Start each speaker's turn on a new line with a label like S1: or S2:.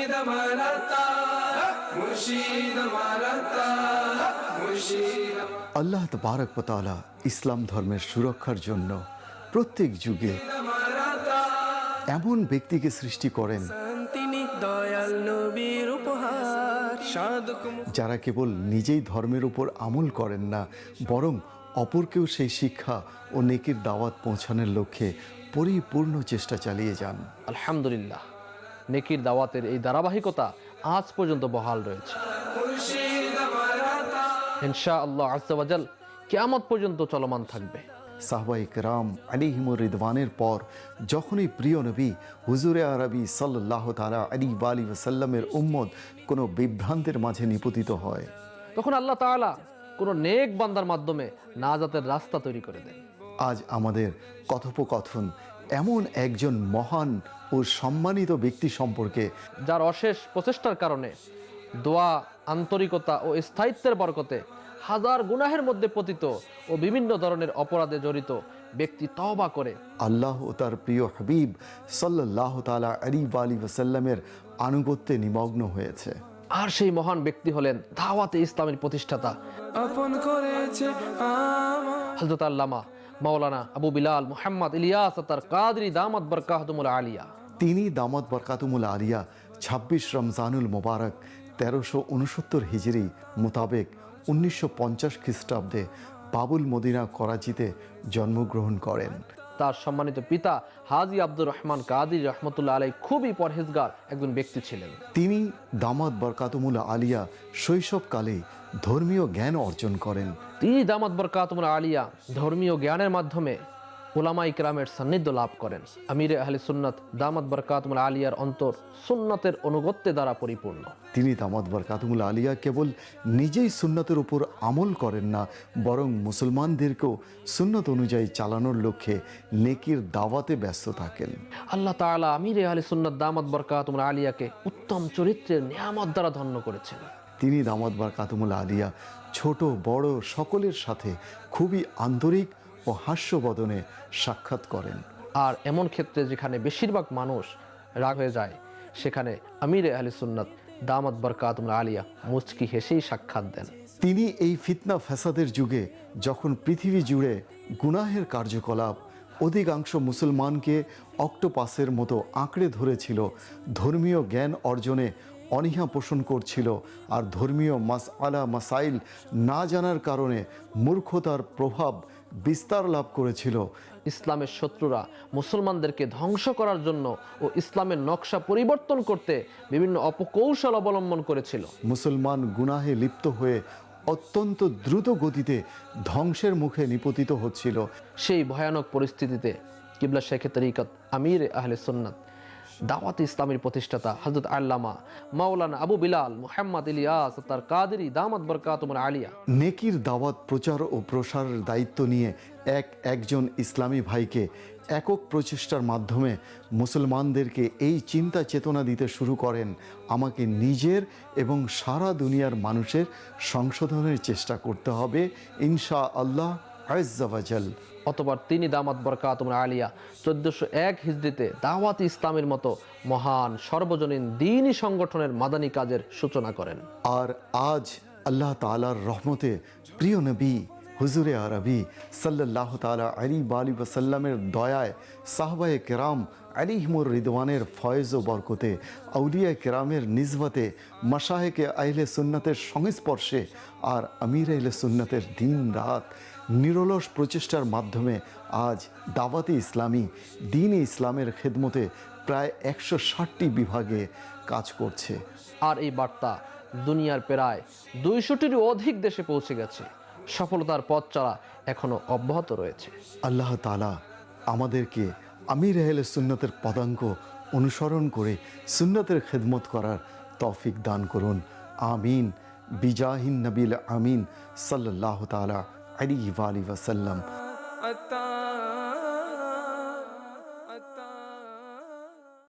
S1: মুর্শিদ মারাতা, মুর্শিদ মারাতা, মুর্শিদ।
S2: আল্লাহ তাবারক ওয়া তাআলা ইসলাম ধর্মের সুরক্ষার জন্য প্রত্যেক যুগে এমন ব্যক্তিকে সৃষ্টি করেন
S1: তিনি দয়াল নবীর উপহার, সাধক
S2: যারা কেবল নিজেই ধর্মের উপর আমল করেন না, বরং অপরকেও সেই শিক্ষা ও নেকির দাওয়াত পৌঁছানোর লক্ষ্যে পরিপূর্ণ চেষ্টা চালিয়ে যান।
S3: আলহামদুলিল্লাহ, নেকির দাওয়াতের এই ধারাবাহিকতা আজ পর্যন্ত বহাল রয়েছে।
S1: মুর্শিদ মারাতা।
S3: ইনশাআল্লাহ আজ্জা ওয়া জাল কিয়ামত পর্যন্ত চলমান থাকবে।
S2: সাহবায়ে কেরাম আলাইহিমুর রিদওয়ানের পর যখনই প্রিয় নবী হুজুরে আরবি সাল্লাল্লাহু তাআলা আলাইহি ওয়া আলিহি ওয়াসাল্লামের উম্মত কোনো বিভ্রান্তের মাঝে নিপতিত হয়,
S3: তখন আল্লাহ তাআলা কোনো নেক বান্দার মাধ্যমে নাজাতের রাস্তা তৈরি করে দেন।
S2: আজ আমাদের কথোপকথন এমন একজন মহান ও সম্মানিত ব্যক্তি সম্পর্কে,
S3: যার অশেষ প্রচেষ্টার কারণে দোয়া, আন্তরিকতা ও স্থায়িত্বের বরকতে হাজার গুনাহের মধ্যে পতিত ও বিভিন্ন ধরনের অপরাধে জড়িত ব্যক্তি তওবা করে
S2: আল্লাহ ও তার প্রিয় হাবিব সাল্লাল্লাহু তাআলা আলাইহি ওয়া আলিহি ওয়াসাল্লামের আনুগত্যে নিমগ্ন হয়েছে।
S3: আর সেই মহান ব্যক্তি হলেন দাওয়াতে ইসলামের প্রতিষ্ঠাতা
S1: আপন করেছে আমার।
S3: হযরত আল্লামা মাওলানা আবু বিলাল মুহাম্মদ ইলিয়াস তার কাদরি দামাত বরকাতুমুল আলিয়া।
S2: তিনি দামাত বরকাতুমুল আলিয়া ২৬ রমজানুল মোবারক ১৩৬৯ হিজরি মোতাবেক ১৯৫০ খ্রিস্টাব্দে বাবুল মদিনা করাচিতে জন্মগ্রহণ করেন।
S3: তার সম্মানিত পিতা হাজী আব্দুর রহমান কাদির রহমতুল্লাহ আলাই খুবই পরহেজগার একজন ব্যক্তি ছিলেন।
S2: তিনি দামাত বরকাতুমুল আলিয়া শৈশবকালে ধর্মীয় জ্ঞান অর্জন করেন।
S3: তিনি দামাত বরকাতুমুল আলিয়া ধর্মীয় জ্ঞানের মাধ্যমে উলামায়ে কেরামের সান্নিধ্য লাভ করেন। আমিরে আহলে সুন্নাত দামাত বরকাতুমুল আলিয়ার অন্তর সুন্নাতের অনুগত্যে দ্বারা পরিপূর্ণ।
S2: তিনি দামাত বরকাতুমুল আলিয়া কেবল নিজেই সুন্নতের উপর আমল করেন না, বরং মুসলমানদেরকেও সুন্নত অনুযায়ী চালানোর লক্ষ্যে নেকির দাওয়াতে ব্যস্ত থাকেন।
S3: আল্লাহ তাআলা আমিরে আহলে সুন্নাত দামাত বরকাতুমুল আলিয়াকে উত্তম চরিত্রের নিয়ামত দ্বারা ধন্য করেছেন।
S2: তিনি দামাত বরকাতুমুল আলিয়া ছোট বড় সকলের সাথে খুবই আন্তরিক ও হাস্যবদনে সাক্ষাৎ করেন।
S3: আর এমন ক্ষেত্রে যেখানে বেশিরভাগ মানুষ রাগ হয়ে যায়, সেখানে আমিরে আহলে সুন্নাত দামাত বরকাতুমুল আলিয়া মুচকি হেসেই সাক্ষাৎ দেন।
S2: তিনি এই ফিতনা ফ্যাসাদের যুগে যখন পৃথিবী জুড়ে গুনাহের কার্যকলাপ অধিকাংশ মুসলমানকে অক্টোপাসের মতো আঁকড়ে ধরেছিল, ধর্মীয় জ্ঞান অর্জনে অনীহা পোষণ করছিল, আর ধর্মীয় মাসআলা মাসাইল না জানার কারণে মূর্খতার প্রভাব বিস্তার লাভ করেছিল,
S3: ইসলামের শত্রুরা মুসলমানদেরকে ধ্বংস করার জন্য ও ইসলামের নকশা পরিবর্তন করতে বিভিন্ন অপকৌশল অবলম্বন করেছিল।
S2: মুসলমান গুনাহে লিপ্ত হয়ে অত্যন্ত দ্রুত গতিতে ধ্বংসের মুখে নিপতিত হচ্ছিল।
S3: সেই ভয়ানক পরিস্থিতিতে কিবলা শেখে তরিকত আমির আহলে সুন্নাত দাওয়াত ইসলামের প্রতিষ্ঠাতা হযরত আল্লামা মাওলানা আবু বিলাল মুহাম্মদ ইলিয়াস তার কাদেরী দামাত বরকাতুমুল আলিয়া
S2: নেকির দাওয়াত প্রচার ও প্রসারের দায়িত্ব নিয়ে একজন ইসলামী ভাইকে একক প্রচেষ্টার মাধ্যমে মুসলমানদেরকে এই চিন্তা চেতনা দিতে শুরু করেন, আমাকে নিজের এবং সারা দুনিয়ার মানুষের সংশোধনের চেষ্টা করতে হবে ইনশাআল্লাহ আজ্জা ওয়া জাল।
S3: অতঃপর তিনি দামাত বরকাতুমুল আলিয়া 1401 হিজরিতে দাওয়াত ইসলামের মতো মহান সর্বজনীন দ্বীনি সংগঠনের মাদানী কাজের সূচনা করেন।
S2: আর আজ আল্লাহ তাআলার রহমতে প্রিয় নবী হুজুরে আরবি সাল্লাল্লাহু তাআলা আলাইহি ওয়া আলিহি ওয়াসাল্লামের দয়ায় সাহাবায়ে কেরাম আলাইহিমুর রিদওয়ানের ফয়েজ ও বরকতে আউলিয়া কেরামের নিসবতে মাশায়েখে আহলে সুন্নাতের সংস্পর্শে আর আমির আহলে সুন্নাতের দিন রাত নিরলস প্রচেষ্টার মাধ্যমে আজ দাওয়াতে ইসলামী দ্বীনে ইসলামের খেদমতে প্রায় 160টি বিভাগে কাজ করছে।
S3: আর এই বার্তা দুনিয়ার প্রায় 200টিরও অধিক দেশে পৌঁছে গেছে। সফলতার পথ চলা এখনো অব্যাহত রয়েছে।
S2: আল্লাহ তাআলা আমাদেরকে আমির আহলে সুন্নাতের পদাঙ্ক অনুসরণ করে সুন্নাতের খেদমত করার তৌফিক দান করুন, আমিন। বিজাহিন নবীল আমিন সাল্লাল্লাহু তাআলা আলাইহি ওয়া আলিহি ওয়াসাল্লাম।